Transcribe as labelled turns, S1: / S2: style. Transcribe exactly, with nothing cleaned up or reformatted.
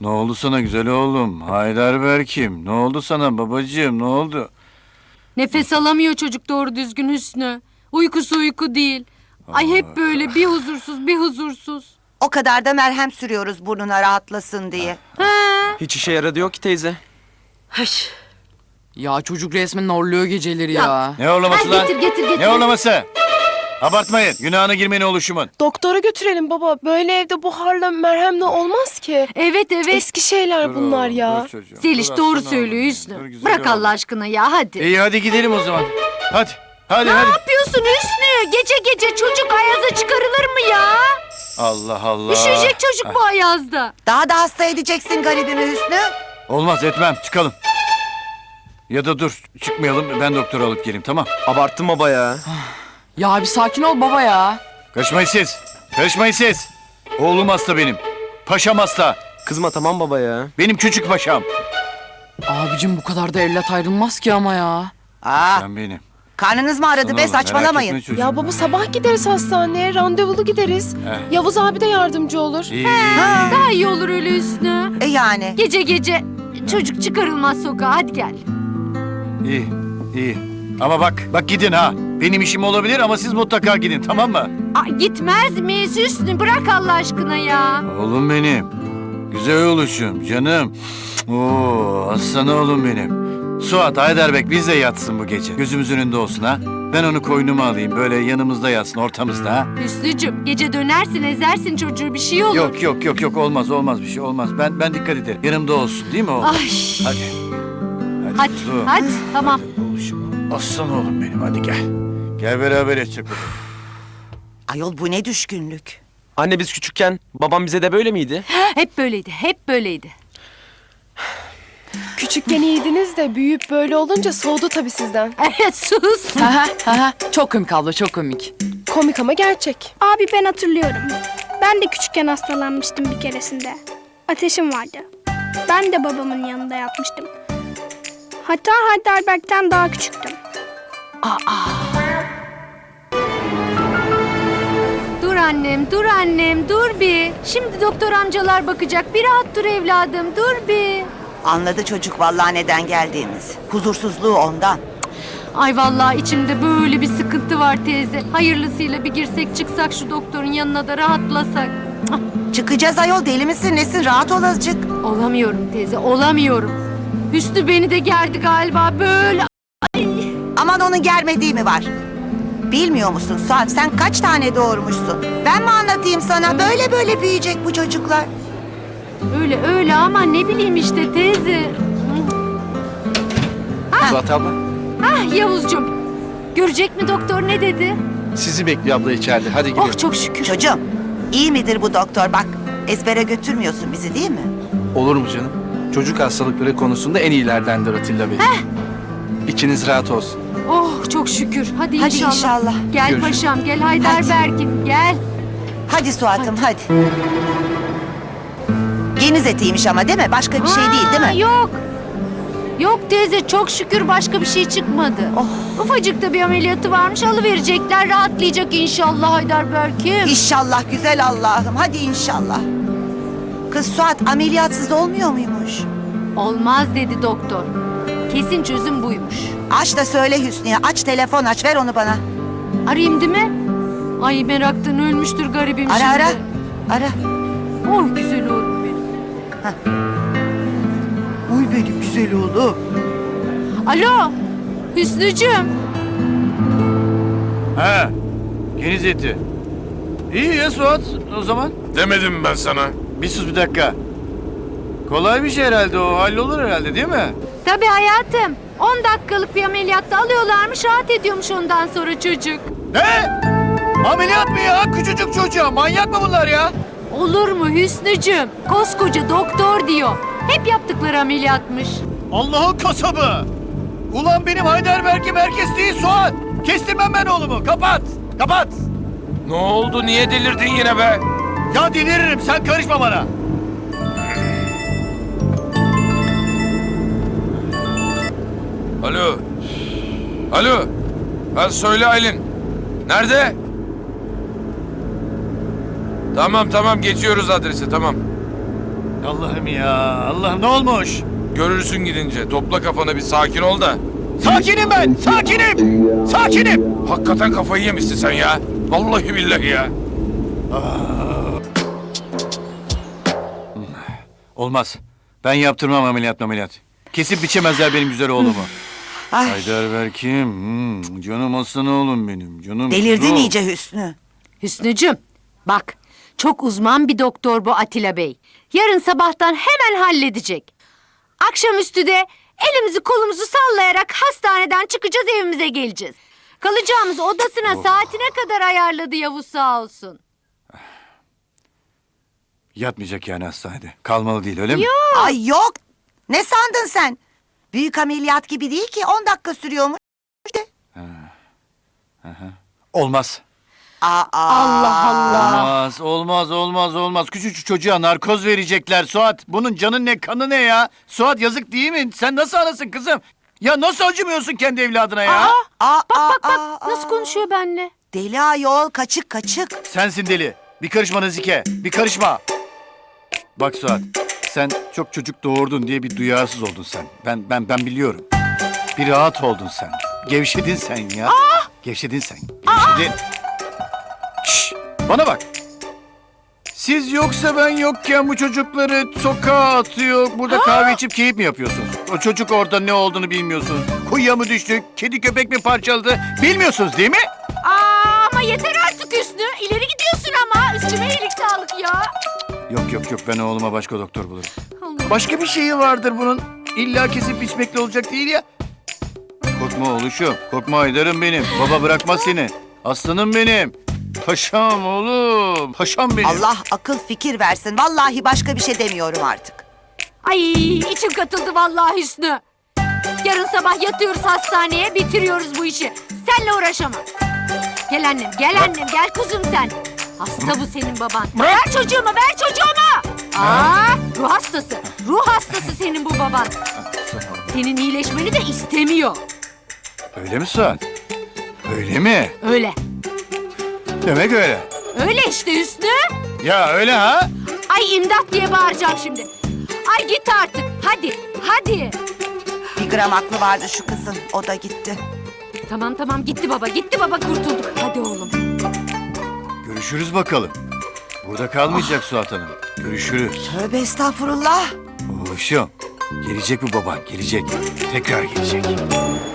S1: Ne oldu sana güzel oğlum? Heidelberg'im. Ne oldu sana babacığım? Ne oldu?
S2: Nefes alamıyor çocuk doğru düzgün Hüsnü. Uykusu uyku değil. Ay hep böyle bir huzursuz bir huzursuz.
S3: O kadar da merhem sürüyoruz burnuna rahatlasın diye.
S2: Ha.
S4: Hiç işe yaradı yok ki teyze.
S2: Haş.
S5: Ya çocuk resmen horluyor geceleri ya.
S2: Ya.
S1: Ne horlaması
S2: Ay,
S1: lan?
S2: getir getir getir.
S1: Ne horlaması? Abartmayın. Günahına girmeyin oluşumun.
S6: Doktora götürelim baba. Böyle evde buharla merhemle olmaz ki.
S2: Evet evet.
S6: Eski şeyler
S1: Dur
S6: bunlar
S1: oğlum,
S6: ya.
S1: dur çocuğum,
S2: Zeliş
S1: dur
S2: doğru
S1: aslanım
S2: söylüyor
S1: oğlum.
S2: Hüsnü.
S1: Dur güzel
S2: Bırak
S1: oğlum.
S2: Allah aşkına ya hadi.
S1: İyi hadi gidelim o zaman. Hadi. Hadi
S2: Ne
S1: hadi.
S2: yapıyorsun Hüsnü? Gece gece çocuk ayaza çıkarılır mı ya?
S1: Allah Allah.
S2: Üşüyecek çocuk bu ayazda.
S3: Daha da hasta edeceksin garibimi Hüsnü.
S1: Olmaz etmem. Çıkalım. Ya da dur çıkmayalım ben doktora alıp geleyim tamam.
S4: Abarttın baba ya.
S5: Ya bir sakin ol baba ya.
S1: Karışmayın siz. Karışmayın siz. Oğlum hasta benim. Paşam hasta.
S4: Kızma tamam baba ya.
S1: Benim küçük paşam.
S5: Abicim bu kadar da evlat ayrılmaz ki ama ya.
S3: Aa,
S1: Sen benim.
S3: karnınız mı aradı
S1: Sana
S3: be
S1: oğlum, merak
S3: saçmalamayın.
S1: etme çocuğum.
S6: Ya baba sabah gideriz hastaneye. Randevulu gideriz.
S1: Eh.
S6: Yavuz abi de yardımcı olur.
S1: İyi, iyi,
S3: Ha,
S2: Daha iyi olur öyle Hüsnü.
S3: e yani.
S2: Gece gece çocuk çıkarılmaz sokağa hadi gel.
S1: iyi, iyi. Ama bak, bak gidin ha. Benim işim olabilir ama siz mutlaka gidin tamam mı?
S2: Ay, gitmez miyiz Hüsnü? Bırak Allah aşkına ya.
S1: Oğlum benim. Güzel oluşum canım. Oo, aslan oğlum benim. Suat, Heidelberg bizle yatsın bu gece. Gözümüzün önünde olsun ha. Ben onu koynuma alayım böyle yanımızda yatsın ortamızda ha.
S2: Hüsnücüm gece dönersin ezersin çocuğu bir şey olur.
S1: Yok yok yok yok olmaz olmaz bir şey olmaz. Ben ben dikkat ederim. Yanımda olsun değil mi oğlum?
S2: Ay.
S1: Hadi. Hadi.
S2: Hadi
S1: Su.
S2: hadi tamam.
S1: Oluşum. Aslan oğlum benim hadi gel. Gel beraber yatacak bakalım.
S3: Ayol bu ne düşkünlük.
S4: Anne biz küçükken babam bize de böyle miydi?
S2: Hep böyleydi hep böyleydi.
S6: Küçükken iyiydiniz de büyüyüp böyle olunca soğudu tabii sizden.
S2: Evet sus.
S5: Haha haha çok komik abla çok komik.
S6: Komik ama gerçek.
S7: Abi ben hatırlıyorum. Ben de küçükken hastalanmıştım bir keresinde. Ateşim vardı. Ben de babamın yanında yatmıştım. Hatta Heidelberg'ten daha küçüktüm.
S2: Dur annem dur annem dur bir. Şimdi doktor amcalar bakacak. Bir rahat dur evladım dur bir.
S3: Anladı çocuk vallahi neden geldiğimiz. Huzursuzluğu ondan.
S2: Ay vallahi içimde böyle bir sıkıntı var teyze. Hayırlısıyla bir girsek çıksak şu doktorun yanına da rahatlasak.
S3: Çıkacağız ayol deli misin nesin rahat ol azıcık.
S2: Olamıyorum teyze olamıyorum. Hüsnü beni de gerdi galiba böyle.
S3: Aman onun germediği mi var? Bilmiyor musun Suat sen kaç tane doğurmuşsun? Ben mi anlatayım sana böyle böyle büyüyecek bu çocuklar.
S2: Öyle öyle ama ne bileyim işte teyze.
S8: Suat abla,
S2: Ah Yavuzcuğum. Görecek mi doktor ne dedi?
S8: sizi bekliyor abla içeride. Hadi gidelim.
S2: Oh çok şükür.
S3: Çocuğum iyi midir bu doktor bak ezbere götürmüyorsun bizi değil mi?
S8: Olur mu canım? Çocuk hastalıkları konusunda en iyilerdendir Atilla Bey. İçiniz rahat olsun.
S2: Oh çok şükür. Hadi,
S3: Hadi
S2: inşallah.
S3: inşallah.
S2: Gel
S8: Görüşürüz.
S2: paşam gel Heidelberg'im gel.
S3: Hadi Suat'ım hadi. Geniz etiymiş ama değil mi? Başka bir şey değil değil
S2: Aa,
S3: mi?
S2: Yok. Yok teyze çok şükür başka bir şey çıkmadı.
S3: Oh.
S2: Ufacık da bir ameliyatı varmış alıverecekler rahatlayacak inşallah Heidelberg'im.
S3: İnşallah güzel Allah'ım hadi inşallah. Kız Suat ameliyatsız olmuyor muymuş?
S2: Olmaz dedi doktor. Kesin çözüm buymuş.
S3: Aç da söyle Hüsnü'ye aç telefon aç ver onu bana.
S2: Arayayım değil mi? Ay meraktan ölmüştür garibim
S3: Ara
S2: şimdi.
S3: ara. Ara.
S2: Oh güzel oğlum benim.
S3: Uy benim güzel oğlum.
S2: Alo Hüsnücüğüm.
S1: Ha. Geniz eti. İyi ya Suat o zaman.
S9: Demedim ben sana.
S1: Bir sus bir dakika. Kolay bir şey herhalde o. Hallolur herhalde değil mi?
S2: Tabii hayatım. on dakikalık bir ameliyatta alıyorlarmış rahat ediyormuş ondan sonra çocuk.
S1: Ne? Ameliyat mı ya? Küçücük çocuğa. Manyak mı bunlar ya?
S2: Olur mu Hüsnücüğüm? Koskoca doktor diyor. Hep yaptıkları ameliyatmış.
S1: Allah'ın kasabı. Ulan benim Heidelberg'im herkes değil Suat. Kestirmem ben oğlumu. Kapat. Kapat.
S9: Ne oldu? Niye delirdin yine be?
S1: Ya deliririm. Sen karışma bana.
S9: Alo. Alo. Ha söyle Aylin. Nerede? Tamam tamam geçiyoruz adresi tamam.
S1: Allah'ım ya. Allah'ım ne olmuş?
S9: Görürsün gidince. Topla kafanı bir sakin ol da.
S1: Sakinim ben. Sakinim. Sakinim.
S9: Hakikaten kafayı yemişsin sen ya. Vallahi billahi ya.
S1: Olmaz. Ben yaptırmam ameliyat ameliyat. Kesip biçemezler benim güzel oğlumu.
S3: Ay,
S1: Heidelberg'im. Hmm, canım aslan oğlum benim. Canım.
S3: delirdin
S1: kuzum.
S3: iyice Hüsnü.
S2: Hüsnücüm bak çok uzman bir doktor bu Atilla Bey. Yarın sabahtan hemen halledecek. Akşamüstü de elimizi kolumuzu sallayarak hastaneden çıkacağız, evimize geleceğiz. Kalacağımız odasına saatine kadar ayarladı Yavuz sağ olsun.
S1: Yatmayacak yani hastanede. Kalmalı değil öyle mi?
S3: Ay yok. Ne sandın sen? Büyük ameliyat gibi değil ki on dakika sürüyormuş.
S1: Olmaz.
S3: Aa,
S2: Allah Allah.
S1: Olmaz, olmaz, olmaz, olmaz. Küçücük çocuğa narkoz verecekler Suat. Bunun canı ne, kanı ne ya? Suat yazık değil mi? Sen nasıl anasın kızım? Ya nasıl acımıyorsun kendi evladına ya?
S3: Aa,
S2: Bak
S3: aa,
S2: bak bak
S3: aa,
S2: nasıl
S3: aa.
S2: konuşuyor benimle.
S3: Deli ayol, kaçık kaçık.
S1: Sensin deli. Bir karışma Nazike, bir karışma. Bak Suat, sen çok çocuk doğurdun diye bir duyarsız oldun sen. Ben ben ben biliyorum. Bir rahat oldun sen. Gevşedin sen ya. Gevşedin sen. Gevşedin. Şş, bana bak. Siz yoksa ben yokken bu çocukları sokağa atıyor, burada kahve içip keyif mi yapıyorsunuz? O çocuk orada ne olduğunu bilmiyorsunuz. Kuyuya mı düştü, kedi köpek mi parçaladı bilmiyorsunuz değil mi?
S2: Aa, ama yeter artık Hüsnü. İleri gidiyorsun ama. Üstüme iyilik sağlık ya.
S1: Yok yok yok ben oğluma başka doktor bulurum.
S2: Allah.
S1: Başka bir şeyi vardır bunun. İlla kesip biçmekle olacak değil ya. Korkma oğluşum. Korkma Haydar'ım benim. Baba bırakmaz seni. Aslanım benim. Paşam oğlum. Paşam benim.
S3: Allah akıl fikir versin. Vallahi başka bir şey demiyorum artık.
S2: Ay içim katıldı vallahi Hüsnü. Yarın sabah yatıyoruz hastaneye, bitiriyoruz bu işi. Senle uğraşamam. Gel annem, gel annem, gel kuzum sen. Hasta bu senin baban. Ver çocuğumu, ver çocuğumu. Aa, ruh hastası. Ruh hastası senin bu baban. Senin iyileşmeni de istemiyor.
S1: Öyle mi Suat? Öyle mi?
S2: Öyle.
S1: Demek öyle.
S2: Öyle işte Hüsnü.
S1: Ya öyle ha?
S2: Ay imdat diye bağıracağım şimdi. Ay git artık. Hadi, hadi.
S3: Bir gram aklı vardı şu kızın. O da gitti.
S2: Tamam tamam gitti baba, gitti baba kurtulduk. Hadi oğlum.
S1: Görüşürüz bakalım. Burada kalmayacak Suat Hanım. Görüşürüz.
S3: Tövbe estağfurullah.
S1: Oğluşum. Gelecek bu baban, gelecek. Tekrar gelecek.